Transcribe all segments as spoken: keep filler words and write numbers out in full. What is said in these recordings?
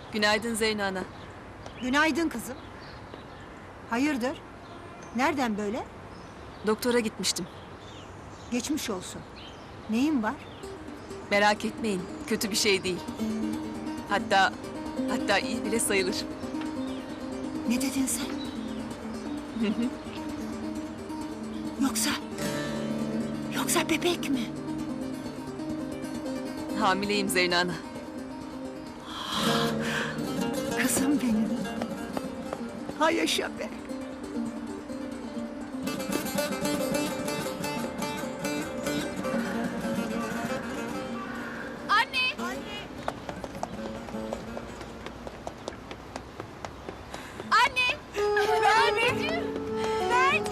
Günaydın Zeyno ana. Günaydın kızım. Hayırdır? Nereden böyle? Doktora gitmiştim. Geçmiş olsun. Neyin var? Merak etmeyin, kötü bir şey değil. Hatta, hatta iyi bile sayılır. Ne dedin sen? Yoksa... Yoksa bebek mi? Hamileyim Zeyno ana. Kızım benim. Ha yaşa be. Anne! Anne! Anneciğim! Mert!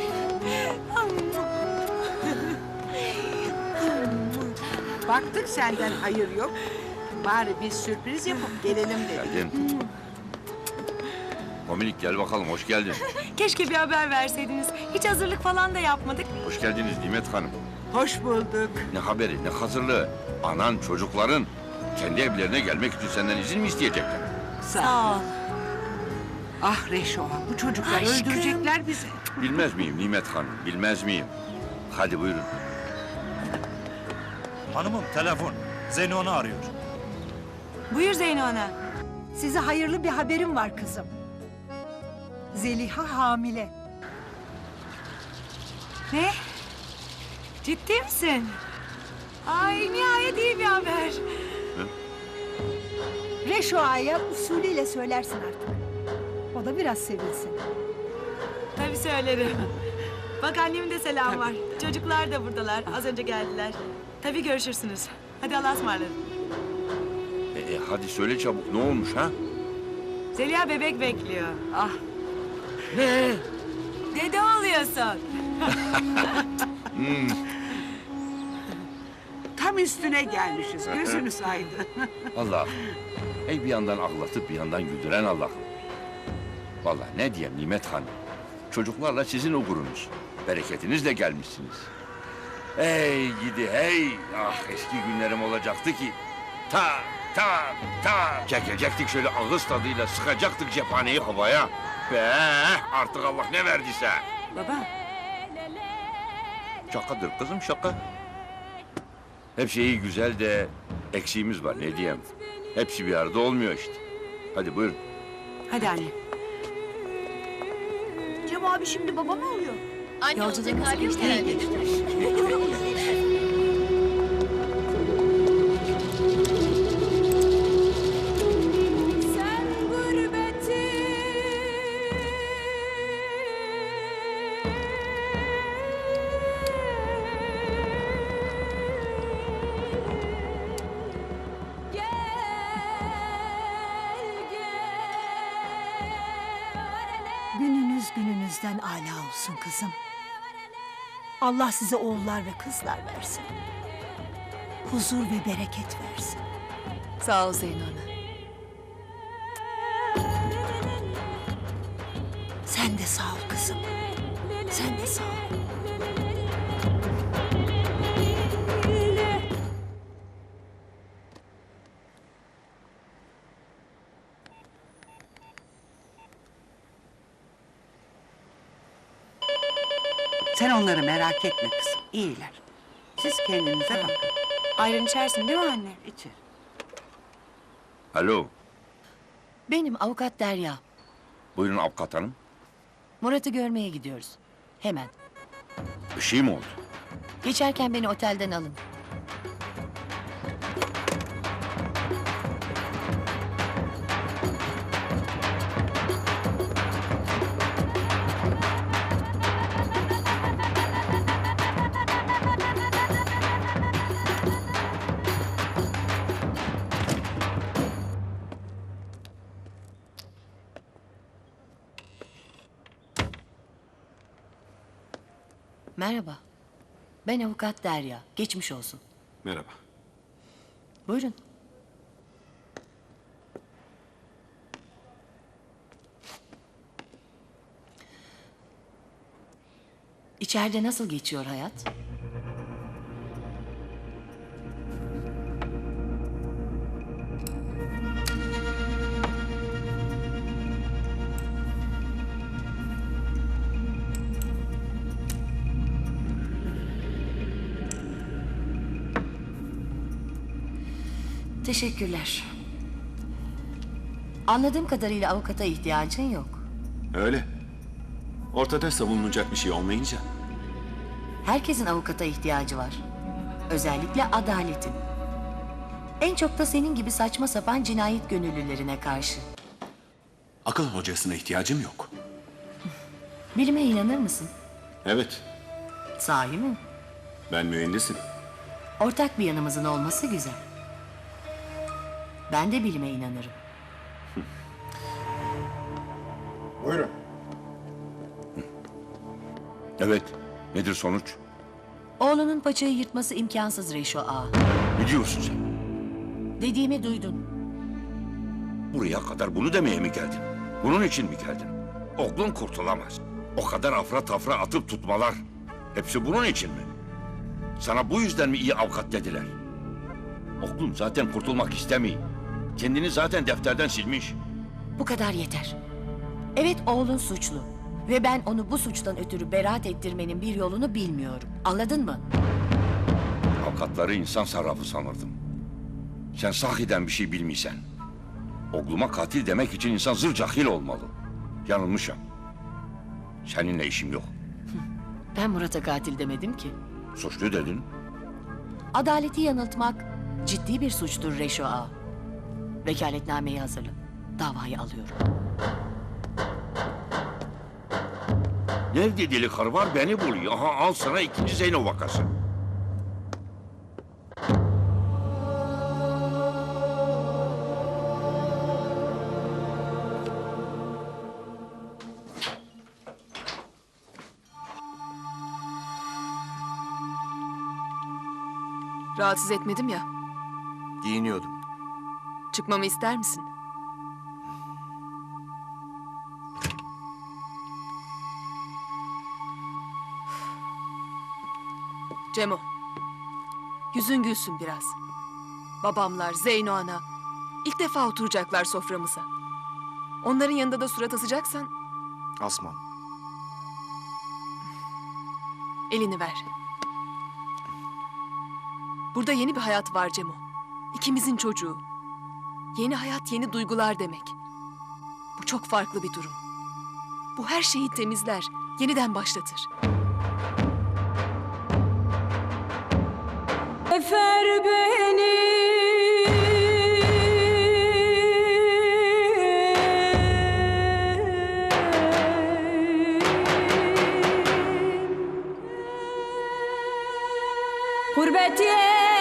Baktık senden hayır yok. Bari bir sürpriz yapıp gelelim dedik. Geldin. Dominik gel bakalım, hoş geldin. Keşke bir haber verseydiniz. Hiç hazırlık falan da yapmadık. Hoş geldiniz Nimet Hanım. Hoş bulduk. Ne haberi, ne hazırlığı. Anan, çocukların kendi evlerine gelmek için senden izin mi isteyecekler? Sağ ol. Ah Reşo, bu çocuklar Aşkım. öldürecekler bizi. Bilmez miyim Nimet Hanım, bilmez miyim? Hadi buyurun. Hanımım telefon. Zeyno onu arıyor. Buyur Zeyno ana. Size hayırlı bir haberim var kızım. Zeliha hamile. Ne? Ciddi misin? Ay nihayet iyi bir haber. Reşo Ağa'ya usulüyle söylersin artık. O da biraz sevilsin. Tabii söylerim. Bak annemin de selam var. Çocuklar da buradalar. Az önce geldiler. Tabii görüşürsünüz. Hadi Allah'a ısmarladık. E, e, hadi söyle çabuk, ne olmuş ha? Zeliha bebek bekliyor. Ah. Ne? Dede oluyorsun. Tam üstüne gelmişiz, gözünüz aydın. Allah'ım. Ey bir yandan ağlatıp bir yandan güldüren Allah'ım. Vallahi ne diyeyim Nimet Hanım. Çocuklarla sizin o gurunuz. Bereketinizle gelmişsiniz. Hey gidi hey. Ah eski günlerim olacaktı ki. Ta ta ta. Çekecektik şöyle ağız tadıyla sıkacaktık cephaneyi havaya. Be artık Allah ne verdiyse. Baba. Şakadır kızım şaka. Hep şeyi güzel de eksiğimiz var ne diyeyim. Hepsi bir arada olmuyor işte. Hadi buyurun. Hadi anne. Cem abi şimdi baba mı oluyor? Anne olacak hali yok herhalde. Sen gurbeti Gününüz gününüzden âlâ olsun kızım. Allah size oğullar ve kızlar versin. Huzur ve bereket versin. Sağ ol Zeyno ana. Sen de sağ ol kızım. Sen de sağ ol. Sen onları merak etme kızım, iyiler. Siz kendinize bakın. Ayran içersin değil mi anne? İçin. Alo. Benim avukat Derya. Buyurun avukat hanım. Murat'ı görmeye gidiyoruz. Hemen. Bir şey mi oldu? Geçerken beni otelden alın. Merhaba. Ben avukat Derya. Geçmiş olsun. Merhaba. Buyurun. İçeride nasıl geçiyor hayat? Teşekkürler. Anladığım kadarıyla avukata ihtiyacın yok. Öyle. Ortada savunulacak bir şey olmayınca. Herkesin avukata ihtiyacı var. Özellikle adaletin. En çok da senin gibi saçma sapan cinayet gönüllülerine karşı. Akıl hocasına ihtiyacım yok. Bilime inanır mısın? Evet, Sahi mi? ben mühendisim. Ortak bir yanımızın olması güzel. Ben de bilime inanırım. Buyurun. Evet. Nedir sonuç? Oğlunun paçayı yırtması imkansız Reşo Ağa. Ne diyorsun sen? Dediğimi duydun. Buraya kadar bunu demeye mi geldin? Bunun için mi geldin? Oğlun kurtulamaz. O kadar afra tafra atıp tutmalar. Hepsi bunun için mi? Sana bu yüzden mi iyi avukat dediler? Oğlum zaten kurtulmak istemiyor. Kendini zaten defterden silmiş. Bu kadar yeter. Evet oğlun suçlu. Ve ben onu bu suçtan ötürü beraat ettirmenin bir yolunu bilmiyorum. Anladın mı? Avukatları insan sarrafı sanırdım. Sen sahiden bir şey bilmiysen. Oğluma katil demek için insan zır cahil olmalı. Yanılmışım. Seninle işim yok. Ben Murat'a katil demedim ki. Suçlu dedin. Adaleti yanıltmak ciddi bir suçtur Reşo Ağa. Vekaletnameyi hazırla. Davayı alıyorum. Nerede deli karı var beni buluyor. Aha al sana ikinci Zeyno vakası. Rahatsız etmedim ya. Giyiniyordum. Çıkmamı ister misin? Cemo. Yüzün gülsün biraz. Babamlar, Zeyno ana. İlk defa oturacaklar soframıza. Onların yanında da surat asacaksan Asmam. elini ver. Burada yeni bir hayat var Cemo. İkimizin çocuğu. Yeni hayat, yeni duygular demek. Bu çok farklı bir durum. Bu her şeyi temizler, yeniden başlatır. Efer beni Gurbet